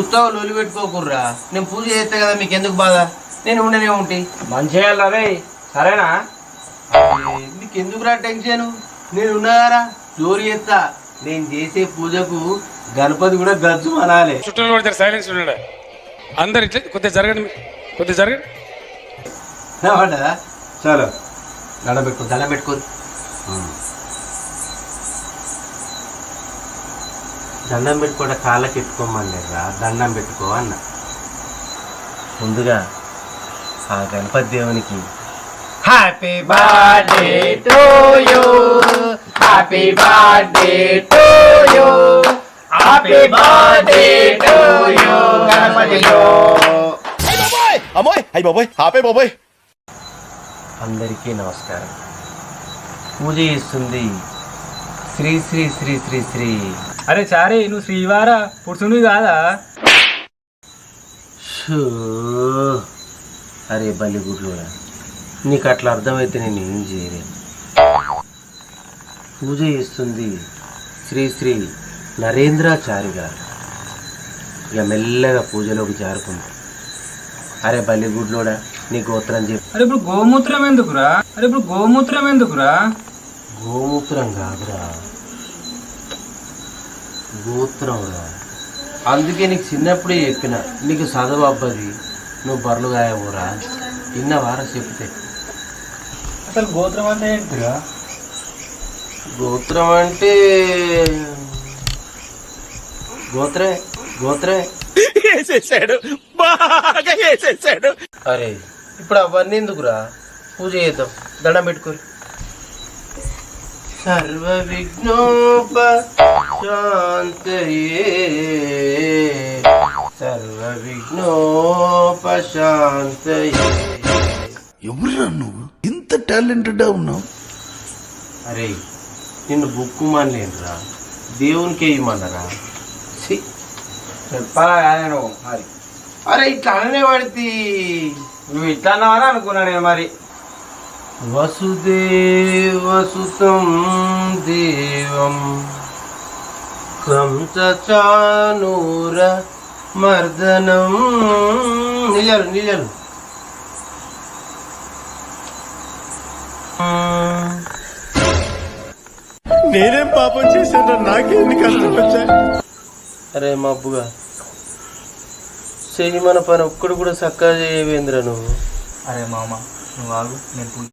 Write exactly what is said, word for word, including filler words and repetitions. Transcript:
ఉత్తావు లొలి పెట్టుకోకుర్రా. నేను పూజ చేస్తే కదా మీకు ఎందుకు బాధ? నేను ఉండనే ఉంటి మంచిగా రే. సరేనా? నీకు ఎందుకురా టెన్షన్? నేను ఉన్నారా జోరు చేస్తా. నేను చేసే పూజకు గణపతి కూడా గజ్జు అనాలి. చుట్టూ పడతారు, సైలెన్స్ ఉన్నాడు అందరు. ఇట్లా కొద్దిగా జరగండి, కొద్దిగా జరగండి. పడ్డదా? చాలు దండం పెట్టుకో, దండం పెట్టుకో. దండం పెట్టుకోట కాళ్ళకి ఎట్టుకోమన్నారా? దండం పెట్టుకో అన్న. ముందుగా ఆ గణపతి దేవునికి happy birthday to you, happy birthday to you, happy birthday to you Ganapati. అమ్మోయ్ అయ్యి బాబోయ్, ఆపే బాబోయ్. అందరికీ నమస్కారం. పూజ చేస్తుంది శ్రీ శ్రీ శ్రీ శ్రీ శ్రీ. అరే చారీ, నువ్వు శ్రీవారా పురుషుని కాదా? షూ. అరే బలిగుడ్లు, నీకు అట్లా అర్థమైతే నేను ఏం చేయలేను. పూజ చేస్తుంది శ్రీ శ్రీ నరేంద్రాచారి గారు. ఇక మెల్లగా పూజలోకి జారుకుంది. అరే బలిగుడ్లోడా, నీ గోత్రం చెప్పు. అరే ఇప్పుడు గోమూత్రం ఎందుకురా? అరే ఇప్పుడు గోమూత్రం ఎందుకురా? గోమూత్రం కాదురా, గోత్రం రా. అందుకే నీకు చిన్నప్పుడే చెప్పిన, నీకు చదువు అబ్బది, నువ్వు బర్రెలు గాయవురా. ఇన్నవారా చెప్తే. అసలు గోత్రం అంటే ఏంటిరా? గోత్రం అంటే గోత్రే గోత్రే వేసేసాడు, బాగా వేసేసాడు. అరే ఇప్పుడు అవన్నీ ఎందుకురా? పూజ చేద్దాం, దండం పెట్టుకోరు. సర్వ విఘ్నోపశాంతయే, సర్వ విఘ్నోపశాంతయే. ఎవరురా నువ్వు? ఇంత టాలెంటెడ్ ఉన్నావు? అరే నిన్ను బుక్కుమానలేనురా, దేవునికే ఇమ్మన్నారా? చెప్పాలా కానీ నువ్వు మరి? అరే ఇట్లా అననే పడితే నువ్వు ఇట్లా అన్నావని అనుకున్నా నేను మరి. వసుదేవసుతం దేవం కంసచానూర మర్దనం. నిజాలు నిజాలు. నేనేం పాపం చేశాను? నాకేంది కష్టం వచ్చాయి? అరే మబ్బుగా చెయ్యి మన పని ఒక్కడు కూడా చక్కగా చేయవేంద్ర నువ్వు. అరే మామ నువ్వు ఆగు, నేను